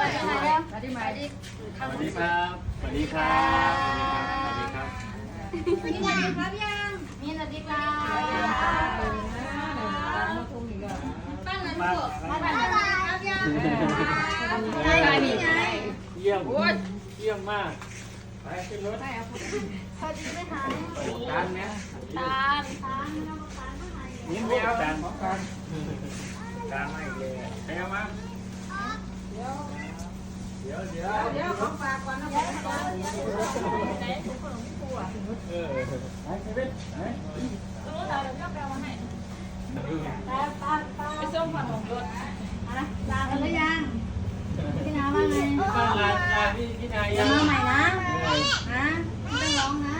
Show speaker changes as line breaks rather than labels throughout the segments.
สวัสดีครับสวัสดีครับ
สวัสดีครับ
สวัสดีครับยังมีสวัสดีครับบ้านนั้นถูกบ้านนั้นครับยัง
เยี่ยมเยี่ยมมากไปขึ้นรถ
สวัสดีไหมคะ
ตานไหม
ตาลไม่ต้องตาลเท่าไหร่
นี่ไม่เอาตานของกันตานไม่เลยไปเอามาเดี๋ยวของฝากก่อนนะ
ไปส่งขนมรถลากันหรือยังพี่นาว่าไง
พี่นาย
จะมาใหม่นะไม่ต้องร้องนะ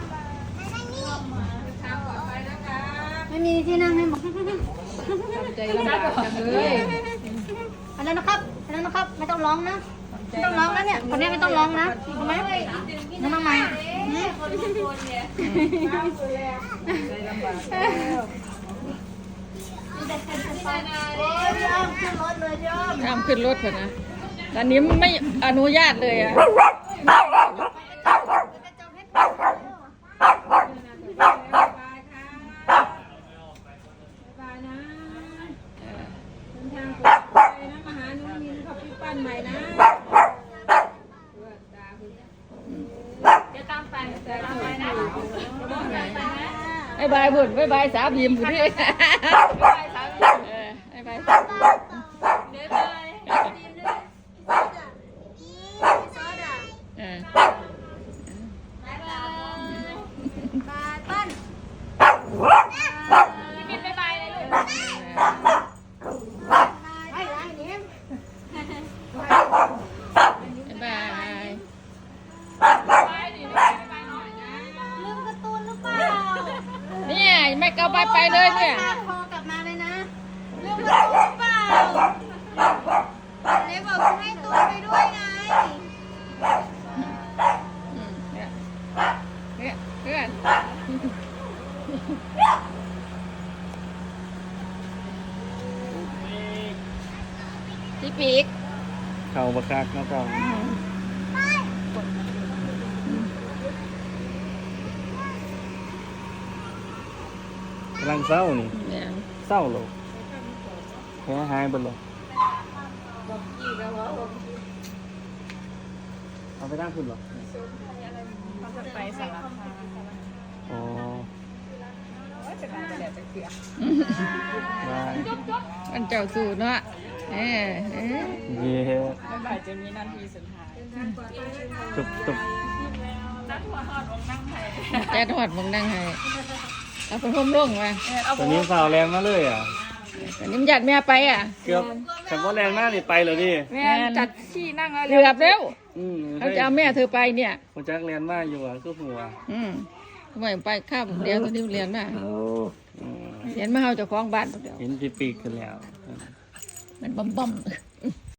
ไม่มีที่นั่งให้หมดใจลำบากจังเลยอันนั้นนะครับ ไม่ต้องร้องนะไม่ต้องร้องนะเนี่ยคนนี้ไม่ต้องร้องนะทำไมน้องใหม่
ห้ามขึ้นรถเถอะนะตอนนี้ไม่อนุญาตเลยอ่ะไอ้ใบผุ่นไอ้ใบสาวยิ้มผุ่นที่ไอ้ใบเนี่ยไม่เกาไปเลยเนี่ย
โทรกลับมาเลยนะเรื่องประตูเปล่าเลยบอกให้ตัวไปด้วยไง
เนี่ยเพื่อนพี่ปีก
เข่าบักคักนะเก่ากำลังเศร้านี่
เนี่ย
เศร้าหรอแพ้หายไปหรอเอาไปตั้งขึ้นหรอ
เขาจะไปสารคาม
อ๋อ
จะมาจะแดดจะเกลือ
ได้
มันเจ้าสู่เนาะ
เ
เ
ย้
มันบ่ายจะมีนาทีสุดท้าย
จุบ
จัดหัวหอดมงนั่งให้เอาไปห่มร่งมา
ตอนนี้สาวแรงมาเลยอ่ะ
แต่นิ่มหยัดแม่ไปอ่ะ
เกือบแต่ว่าแรงมากนี่ไปเลยดิ
แม่จัดที่นั่งเกือบแล้ว เขาจะเอาแม่เธอไปเนี่ย
ผมจักแรงมากอยู่อ่ะก็หัว
ทำไมไปข้ามเดียวตอนนี้เรียนมาเรียนมาเอาเจ้าของบ้านเดียว
เห็นปีกๆกันแล้ว
มันบ่ม